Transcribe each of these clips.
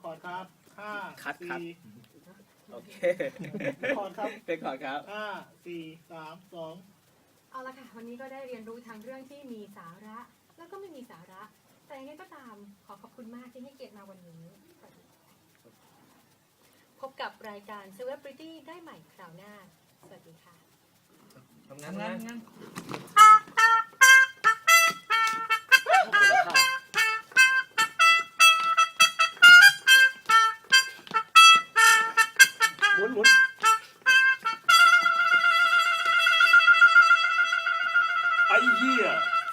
อร์ดครับห้าคัดครับสี่โอเคเรคคอร์ดครับเป็นก่อนครับห้าสี่สามสองเอาละค่ะวันนี้ก็ได้เรียนรู้ทางเรื่องที่มีสาระ แล้วก็ไม่มีสาระ แต่ยังไงก็ตามขอขอบคุณมากที่ให้เกียรติมาวันนี้ พบกับรายการ Celebrity ได้ใหม่คราวหน้า สวัสดีค่ะทำงานหมุนไอ้เหี้ย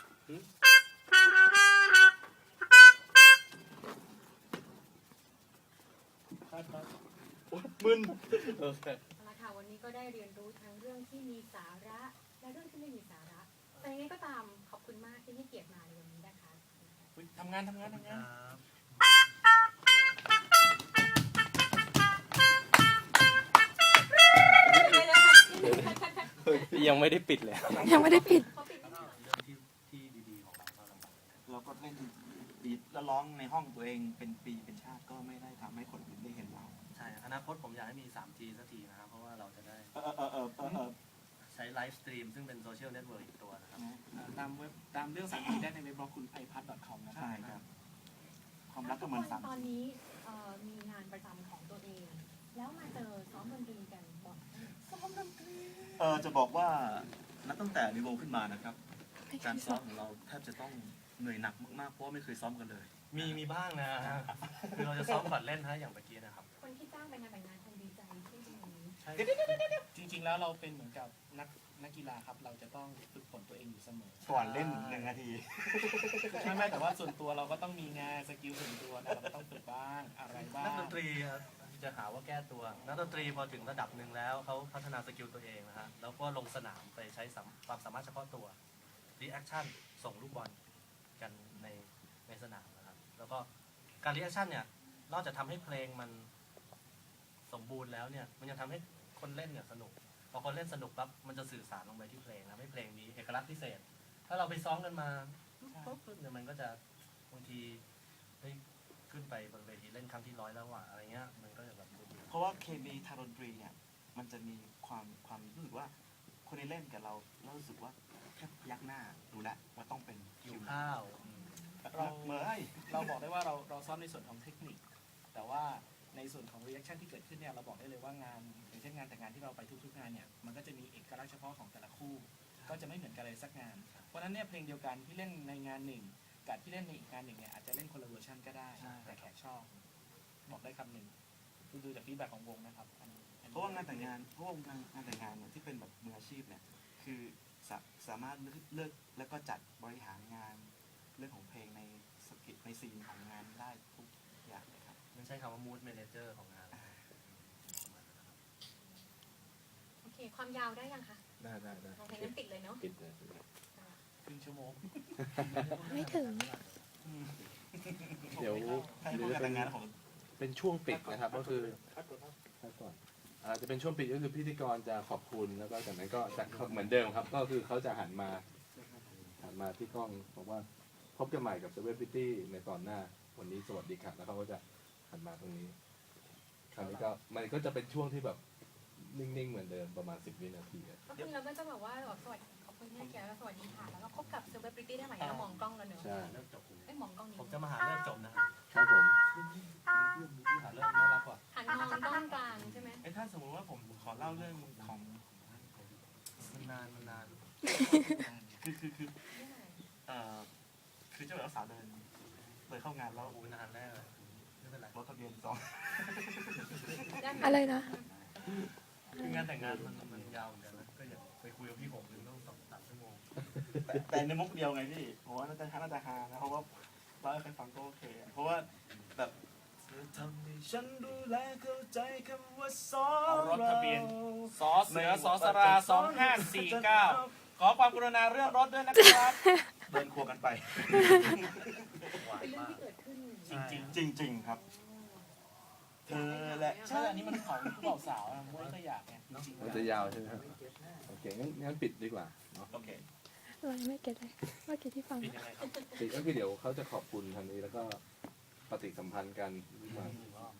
ครับมึนโอเคเอาละค่ะวันนี้ก็ได้เรียนรู้ทั้งเรื่องที่มีสาระ และเรื่องที่ไม่มีสาระ แต่ยังไงก็ตามขอบคุณมากที่ให้เกียรติมาในวันนี้นะคะทำงานยังไม่ได้ปิดเลยยังไม่ได้ปิดขอปิดนิดหน่อยเรื่องที่ดีๆของเราก็ลำบากเราก็เล่นดีแล้วร้องในห้องตัวเองเป็นปีเป็นชาติก็ไม่ได้ทำให้คนอื่นได้เห็นเราใช่อนาคตผมอยากให้มี 3G สักทีนะครับ เพราะว่าเราจะได้ ใช้ไลฟ์สตรีมซึ่งเป็นโซเชียลเน็ตเวิร์กอีกตัวนะครับตามเว็บตามเรื่องสาระได้ในเว็บบล็อกคุณiPad.com นะครัใช่ครับ ความรักก็เหมือนทุสามตอนนี้มีงานประจำของตัวเอง แล้วมาเจอซ้อมดนตรีกันบอกซ้อมดนตรีจะบอกว่านับตั้งแต่มีวงขึ้นมานะครับ การซ้อมของเราแทบจะต้องเหนื่อยหนักมากๆเพราะว่าไม่เคยซ้อมกันเลยมีบ้างนะฮะคือเราจะซ้อมก่อนเล่นฮะอย่างเมื่อกี้นะครับคนที่จ้างไปงานแต่งงานคงดีใจที่ตรงนี้ใช่จริงๆแล้วเราเป็นเหมือนกับนักกีฬาครับ เราจะต้องฝึกฝนตัวเองอยู่เสมอก่อนเล่น1 นาทีไม่แต่ว่าส่วนตัวเราก็ต้องมีงานสกิลส่วนตัวนะเราก็ต้องฝึกบ้างอะไรบ้างนักดนตรีครับจะหาว่าแก้ตัว นักดนตรีพอถึงระดับหนึ่งแล้วเขาพัฒนาสกิลตัวเองนะฮะแล้วก็ลงสนามไปใช้ความสามารถเฉพาะตัวรีแอคชั่นส่งลูกบอลกันในสนามนะครับแล้วก็การรีแอคชั่นเนี่ยนอกจากทำให้เพลงมันสมบูรณ์แล้วเนี่ยมันยังทำให้คนเล่นเนี่ยสนุกพอคนเล่นสนุกปั๊บมันจะสื่อสารลงไปที่เพลงทำให้เพลงมีเอกลักษณ์พิเศษ ถ้าเราไปซ้อมกันมาปุ๊บเนี่ยมันก็จะบางทีเฮ้ยขึ้นไปบนเวทีเล่นครั้งที่100แล้วว่ะอะไรเงี้ยมันก็จะแบบดูเพราะว่าเคมีทางดนตรีเนี่ยมันจะมีความรู้สึกว่าคนที่เล่นกับเรารู้สึกว่าแค่ยักหน้าดูแลวว่าต้องเป็นหิวข้าวเราเมื่อยเราบอกได้ว่าเราซ้อมในส่วนของเทคนิค แต่ว่าในส่วนของรีแอคชั่นที่เกิดขึ้นเนี่ยเราบอกได้เลยว่างานอย่างเช่นงานแต่งงานที่เราไปทุกๆงานเนี่ยมันก็จะมีเอกลักษณ์เฉพาะของแต่ละคู่ ก็จะไม่เหมือนกันเลยสักงาน เพราะฉะนั้นเนี่ยเพลงเดียวกันที่เล่นในงานหนึ่งกับที่เล่นในอีกงานหนึ่งเนี่ยอาจจะเล่นคนละเวอร์ชันก็ได้ แต่แขกชอบ บอกได้คำหนึ่งดูจากฟีดแบ็กของวงนะครับอันนี้เพราะว่างานแต่งงานเนี่ยที่เป็นแบบมืออาชีพเนี่ยคือสามารถเลือกแล้วก็จัดบริหารงานเรื่องของเพลงในสกิปในซีนของงานได้ทุกอย่างเลยครับไม่ใช่คำว่า mood manager ของงานโอเค ความยาวได้ยังคะได้โอเคงั้นปิดเลยเนาะปิดเลยครึ่งชั่วโมงไม่ถึงเดี๋ยวให้พวกงานแต่งงานของเป็นช่วงปิดนะครับ ก็คือพักก่อนจะเป็นช่วงปิดก็คือพิธีกรจะขอบคุณแล้วก็จากนั้นก็จะเหมือนเดิมครับ ก็คือเขาจะหันมาที่กล้องบอกว่าพบกันใหม่กับ Celebrity ในตอนหน้าวันนี้สวัสดีครับแล้วเขาก็จะหันมาตรงนี้คราวนี้ก็มันก็จะเป็นช่วงที่แบบนิ่งๆเหมือนเดิมประมาณ10 วินาทีครับก็คือเราก็จะแบบว่าสวัสดีขอบคุณที่ให้เกียรติแล้วสวัสดีค่ะ แล้วก็พบกับ Celebrity ได้ใหม่แล้วมองกล้องแล้วเนอะใช่เลิกจบไม่มองกล้องนี้ผมจะมาหาเลิกจบนะครับครับผมหาเลิกน่ารักกว่าหันมองกล้องกลางใช่ไหมถ้าสมมติว่าผมขอเล่าเรื่องของมันนานคือเจ้าบ่าวสาวเดินเข้างานแล้วโอ้นานแรกเลยไม่เป็นไรรถทะเบียน2 อะไรนะคืองานแต่งงานมันยาวเหมือนกันนะก็อย่าไปคุยกับพี่ผมถึงต้อง2-3 ชั่วโมงแต่ในมุกเดียวไงพี่ผมว่าน่าจะฮานะเพราะว่าเราให้ใครฟังก็โอเคเพราะว่าแบบทำให้ฉันดูแลเข้าใจคำว่าสอรถทะเบียนสอเสือสอสรา2549 ขอความกรุณาเรื่องรถด้วยนะครับเดินควงกันไปหวานเป็นเรื่องมากที่เกิดขึ้นจริงจริงๆครับ เธอและใช่อันนี้มันของผู้บ่าวสาวนะมุ้ยก็อยากไงจริงๆมันจะยาวใช่ไหมครับโอเคงั้นปิดดีกว่าเนาะโอเคเรายังไม่เก็ตเลยเมื่อกี้ที่ฟังปิดยังไงครับปิดก็คือเดี๋ยวเขาจะขอบคุณทางนี้แล้วก็ปฏิสัมพันธ์กัน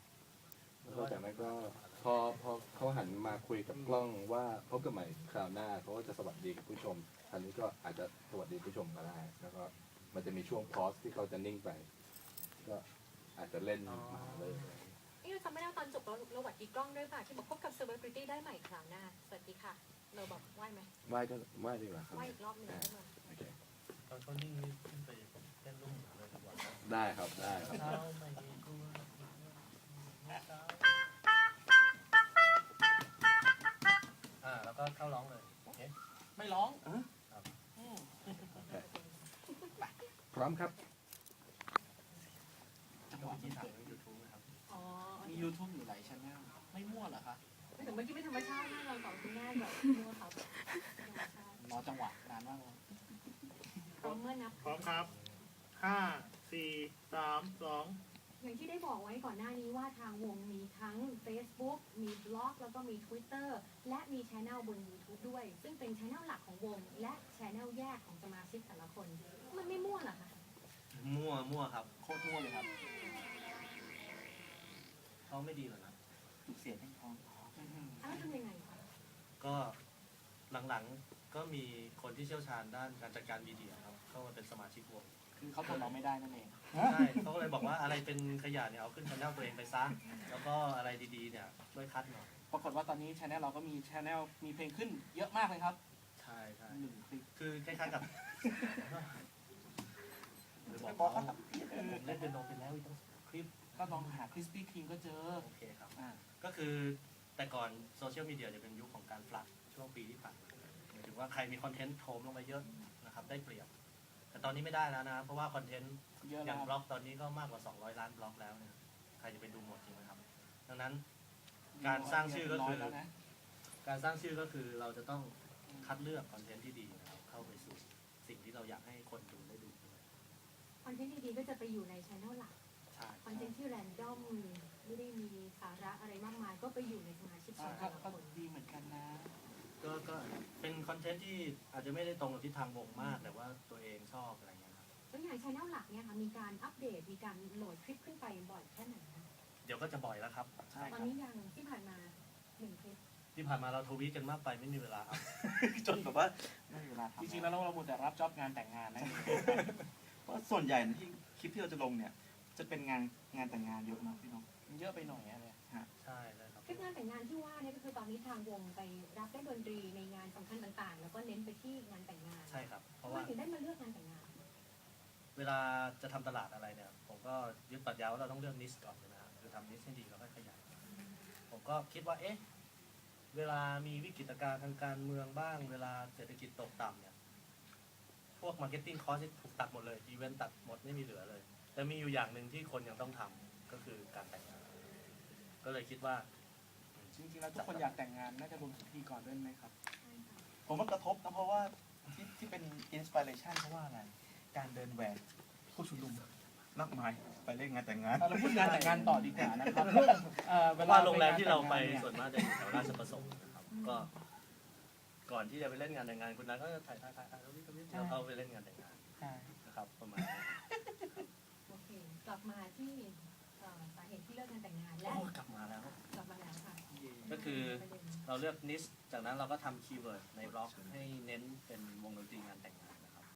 แล้วก็จากนั้นก็พอเขาหันมาคุยกับกล้องว่าพบกันใหม่คราวหน้าเขาก็จะสวัสดีกับผู้ชมอันนี้ก็อาจจะสวัสดีผู้ชมก็ได้ แล้วก็มันจะมีช่วงพอสที่เขาจะนิ่งไป ก็อาจจะเล่นมาเลยนี่เราจำไม่ได้ว่าตอนจบเราหวัดดีกล้องด้วยป่ะที่บอกพบกับ Celebrity ได้ใหม่คราวหน้าสวัสดีค่ะเราบอกไหวไหมไหว้ก็ไหว้ดีกว่าครับไหวอีกรอบหนึ่งได้ไหมโอเคตอนเขานิ่งนี่ขึ้นไปเต้นลูกหมูเลยดีกว่านะได้ครับได้ครับเช้าไม่กลัวเช้าแล้วก็เข้าร้องเลยโอเคไม่ร้องพร้อมครับจังหวะที่ที่ถ่าถ่าย ยไว้ยูทูบนะครับอ๋อมี YouTube อยู่หลายช่องไม่มั่วเหรอคะไม่ถึงเมื่อกี้ไม่ธรรมชาติมากเราสองคนง่ายแบบมัวเขาธรรมชาติรอจังหวะนานมากเลยพร้อมเมื่อนับพร้อมครับ5 4 3 2 อย่างที่ได้บอกไว้ก่อนหน้านี้ว่าทางวงมีทั้ง Facebook มีบล็อก แล้วก็มี Twitter และมีช anel บน YouTube ด้วย ซึ่งเป็นช anel หลักของวง และช anel แยกของสมาชิกแต่ละคน มันไม่มั่วเหรอคะมั่วครับโคตรมั่วเลยครับเขาไม่ดีหรอกนะทุกเสียงให้พร้อมอ้าวทำยังไงคะก็หลังๆก็มีคนที่เชี่ยวชาญด้านการจัดการมีเดียครับเข้ามาเป็นสมาชิกวงคือเขาทนเราไม่ได้นั่นเองใช่เขาก็เลยบอกว่าอะไรเป็นขยะเนี่ยเอาขึ้นช่องตัวเองไปซะ แล้วก็อะไรดีๆเนี่ยช่วยคัดหน่อยปรากฏว่าตอนนี้ช anel เราก็มีช anel มีเพลงขึ้นเยอะมากเลยครับใช่ใช่ 1 คลิปคือคล้ายๆกับหรือบบ ออก กเขาเขาทำเพี้ยนผมเล่นเป็นโนไปแล้วอีกตั้งคลิปก็ลองหา Krispy Kreme ก็เจอโอเคครับอ่าก็คือแต่ก่อนโซเชียลมีเดียจะเป็นยุคของการฟลัดช่วงปีที่ผ่านมาหมายถึงว่าใครมีคอนเทนต์โถมลงไปเยอะนะครับได้เปรียบ แต่ตอนนี้ไม่ได้แล้วนะ เพราะว่าคอนเทนต์เยอะอแล้ย่างวบล็อกตอนนี้ก็มากกว่า 200 ล้านบล็อกแล้วเนี่ยใครจะไปดูหมดจริงไหมครับ ดังนั้นการสร้างชื่อก็คือแล้วนะการสร้างชื่อก็คือเราจะต้องคัดเลือกคอนเทนต์ที่ดีนะครับเข้าไปสู่สิ่งที่เราอยากให้คนดูได้ดูด้วยคอนเทนต์ดีๆก็จะไปอยู่ในช anel หลักใช่คอนเทนต์ที่แรนดอมไม่ได้มีสาระอะไรมากมาย ก็ไปอยู่ในสมาชิกแต่ก็ละก็คนดีเหมือนกันนะก็เป็นคอนเทนต์ที่อาจจะไม่ได้ตรงกับทิศทางวงมาก แต่ว่าตัวเองชอบอะไรเงี้ยครับแล้วอย่างช anel หลักเนี่ยค่ะมีการอัปเดตมีการโหลดคลิปขึ้นไปบ่อยแค่ไหนคะเดี๋ยวก็จะบ่อยแล้วครับใช่ตคอนรับนี้ยังที่ผ่านมา1 คลิปที่ผ่านมาเราทวีตกันมากไปไม่มีเวลาครับจนแบบว่าไม่มีเวลาทำจริงๆแล้วเราหมดแต่รับจ็อบงานแต่งงานนะเพราะส่วนใหญ่ที่คลิปที่เราจะลงเนี่ย จะเป็นงานแต่งงานเยอะมากพี่น้องมันเยอะไปหน่อยอะไรใช่เลยครับคลิปงานแต่งงานที่ว่าเนี่ยก็คือตอนนี้ทางวงไปรับเล่นดนตรีในงานสำคัญต่างๆ แล้วก็เน้นไปที่งานแต่งงานใช่ครับ เพราะทำไมว่าถึงได้มาเลือกงานแต่งงานเวลาจะทำตลาดอะไรเนี่ย ผมก็ยึดปรัชญาว่าเราต้องเลือกนิชก่อนนะครับคือทำนิชให้ดีแล้วค่อยขยายผมก็คิดว่าเอ๊ะเวลามีวิกฤตการณ์ทางการเมืองบ้าง เวลาเศรษฐกิจตกต่ำเนี่ยพวกมาร์เก็ตติ้งคอสที่ถูกตัดหมดเลยอีเวนต์ตัดหมดไม่มีเหลือเลย แต่มีอยู่อย่างหนึ่งที่คนยังต้องทำก็คือการแต่งงานก็เลยคิดว่าจริงๆแล้วทุกคนอยากแต่งงานน่าจะรวมถึงพธี่กรด้วยไหมครับผมว่ากระทบนะเพราะว่าที่เป็นอินสปิเรชันเพราะว่าอะไร การเดินแหวกผู้ชุมนุมมากมายไปเล่นงานแต่งงานเราพูดงานแต่งงานต่อดีกว่านะครับเพราะว่าโรงแรมที่เราไปส่วนมากจะอยู่แถวราชประสงค์นะครับก็ก่อนที่จะไปเล่นงานแต่งงานคุณนัทก็จะถ่ายแล้วแล้วเขาไปเล่นงานแต่งงานใช่นะครับประมาณนี้โอเค กลับมาที่สาเหตุที่เลิกงานแต่งงานและโอ้กลับมาแล้วกลับมาแล้วค่ะก็คือประเด็นเราเลือกนิชจากนั้นเราก็ทำคีย์เวิร์ดในบล็อกให้เน้นเป็นวงดนตรีงานแต่งงาน